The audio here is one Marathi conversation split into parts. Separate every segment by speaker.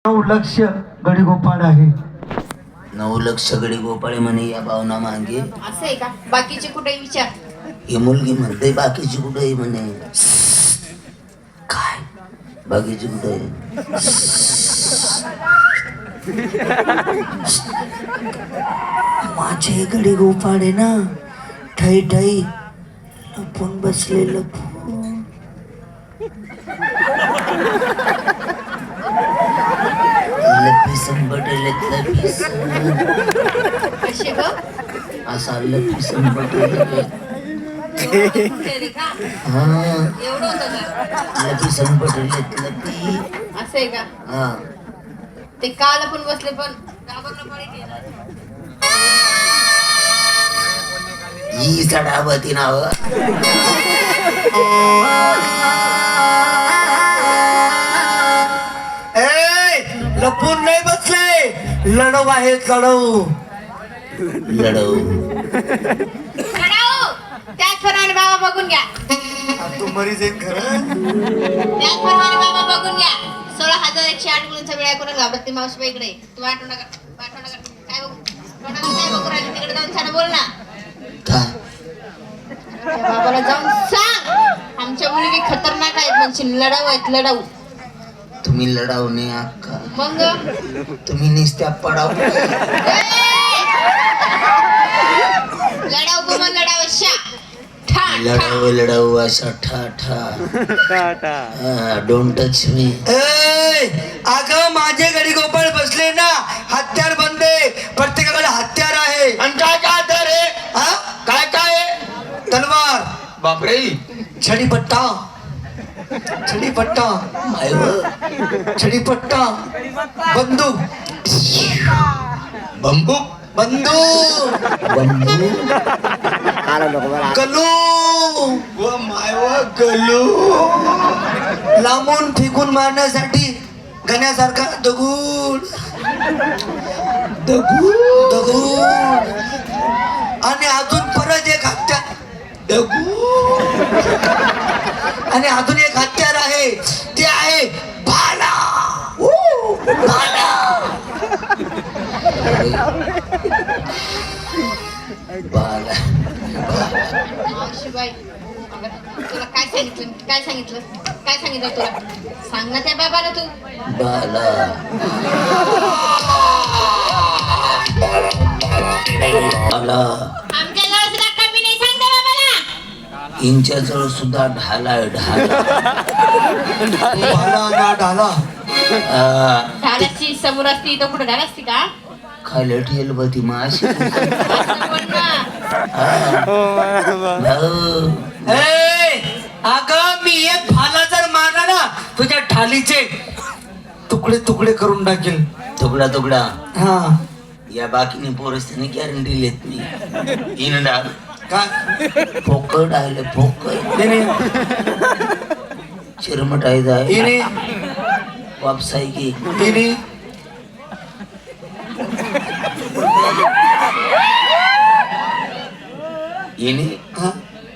Speaker 1: 9 लक्ष गडीगोपाळ आहे.
Speaker 2: 9 लक्ष गडी गोपाळे म्हणे या भावना मागे.
Speaker 3: असं आहे का? बाकीचे कुठे विचार.
Speaker 2: ही मुलगी म्हणते बाकीची कुठे आहे म्हणे. काय बाकीची कुठे आहे? माझे गडी गोपाळे ना ठाई ठाई लपून बसले लपून. लपीसन बटलेत लपीसन
Speaker 3: कसे ग?
Speaker 2: असा लपीसन बटले.
Speaker 3: रे का?
Speaker 2: हा
Speaker 3: एवढं होतं का?
Speaker 2: लपीसन बटलेत लपी.
Speaker 3: असं आहे का?
Speaker 2: हा
Speaker 3: ते काल पण बसले पण घाबरलं पडे
Speaker 2: ही चढावती नाव.
Speaker 1: लपून नाही बसले, लढव आहे लढव.
Speaker 2: लढव
Speaker 3: त्याचप्रमाणे बाबा बघून घ्या.
Speaker 1: तू मरीज आहे खरं.
Speaker 3: त्याचप्रमाणे बाबा बघून घ्या. 16,108 मुलींचा वेळा करून घाबरत नाही मावशी इकडे. तू वाटू नका काय बघू कोणाला काय बघू राहिली तिकडे जाऊन छान बोल ना.
Speaker 2: काय
Speaker 3: त्या बाबाला जाऊन सांग आमच्या मुली खतरनाक आहेत म्हणजे लढाऊ आहेत लढाऊ.
Speaker 2: तुम्ही लढाव नाही अक्का,
Speaker 3: मग
Speaker 2: तुम्ही निस्त्या पडाव.
Speaker 3: लढाऊ गुमान लढाऊ शा ठा
Speaker 2: लढाव लढाव असा ठा ठा. Don't touch me.
Speaker 1: अगं माझे गडी गोपाळ बसले ना, हत्यार बंदे, प्रत्येकाकडे हत्यार आहे.
Speaker 4: आणि काय काय हत्यार आहे?
Speaker 1: हा?
Speaker 4: काय काय आहे?
Speaker 1: तलवार,
Speaker 4: बापरे,
Speaker 1: छडीपट्टा, छडीपट्टा, छडीपट्टा, बंदूक,
Speaker 4: बंदूक,
Speaker 1: बंदूक,
Speaker 2: बंधू
Speaker 1: कलू,
Speaker 4: व मायव गलू,
Speaker 1: लांबून फेकून मारण्यासाठी गण्यासारखा दगूड, दगूड, दगूड, आणि अजून परत एक हत्यार, दगूड, आणि अजून एक हत्यार आहे ते आहे भाला. भाला.
Speaker 2: बाला
Speaker 3: मावशीबाई अगं, तुला काय सांगितलं तुला सांग ना त्या बाबाला तू.
Speaker 2: बाला बाला
Speaker 3: आमच्या जवळ सुद्धा कमी नाही सांग त्या बाबाला.
Speaker 2: इंच्या जवळ सुद्धा ढाला ढाला.
Speaker 1: भाला ना ढाला.
Speaker 3: ढालाची समोर असती तर कुठे ढाल असती का?
Speaker 2: खाली ठेल बती माशी.
Speaker 3: असं बोल ना.
Speaker 1: अगं मी एक भाला जर मारला ना तुझ्या ढालीचे तुकडे तुकडे करून टाकेल.
Speaker 2: तुकडा तुकडा.
Speaker 1: हा
Speaker 2: या बाकीने पोरस्ताने गॅरंटी लेत नाही. इन डाल
Speaker 1: काय
Speaker 2: फोकट आले फोकट चिरमट आहे जाय
Speaker 1: इने
Speaker 2: वापसाई की
Speaker 1: इने
Speaker 2: इने
Speaker 1: हा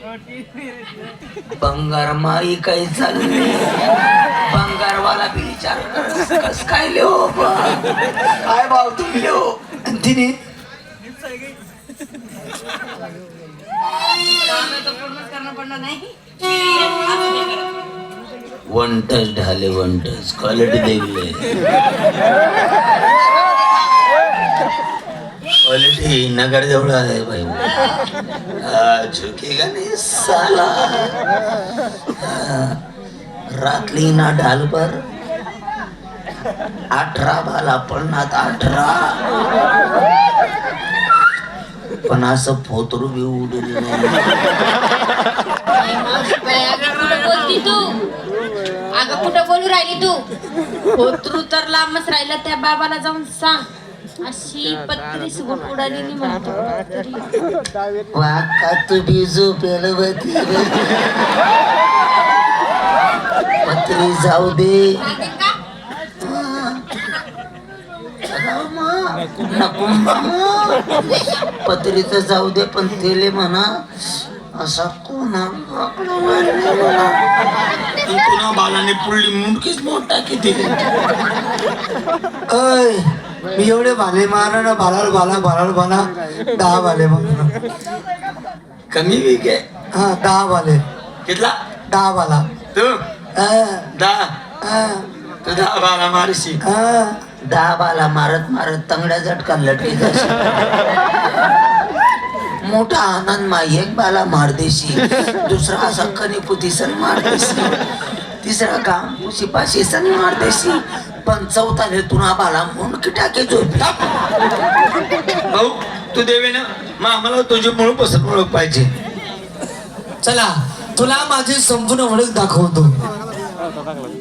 Speaker 2: बंगार माई काही चालले. बंगारवाला बी विचार कस काय लिहो काय भाव तुम्ही लिहो.
Speaker 1: तिने
Speaker 3: पूर्णच करणं पडणार नाही.
Speaker 2: वन टच ढाले वन टच क्वालिटी देखले क्वालिटी नगर जवळ आहे भाई. झुकेगा नहीं साला. रातली ना ढाल पर 18 भाला पडणार 18. पण असं फोतरू बी उडून नाही.
Speaker 3: अगं कुठं बोलू राहिली तू? होतरू तर लांबच राहिला. त्या बाबाला जाऊन सांग अशी पत्री सुगून उडाली म्हणतो.
Speaker 2: वाका तू बी झोपेल होती पत्री जाऊ दे. नको पत्रीच जाऊ दे पण तेले म्हणा असा कोणा
Speaker 4: पुन्हा बालाने पुढली मुंडकीच मोठा किती
Speaker 1: अय मी एवढे भाले मारा ना भालाल भाला 10 भाले मारा.
Speaker 4: कमी वीक आहे.
Speaker 1: हा 10 भाले
Speaker 4: कितला
Speaker 1: 10 भाला.
Speaker 4: तू
Speaker 1: हा,
Speaker 4: 10
Speaker 1: हा,
Speaker 4: तू 10 बाला मारशी.
Speaker 1: हा.
Speaker 2: 10 बाला मारत मारत तंगड्या झटका लटकी जाशी. मोठा आनंद मा एक बाला मार देशी, दुसरा असा कणीपुती सण मार देशी, तिसरा काम शिपाशी सण मार देशी, पण चौथा तुना बाला मुंडकी टाके झोपी.
Speaker 4: भाऊ तू देवे ना मग आम्हाला तुझी मुळ पसंत ओळख पाहिजे.
Speaker 1: चला तुला माझी संपूर्ण ओळख दाखवतो.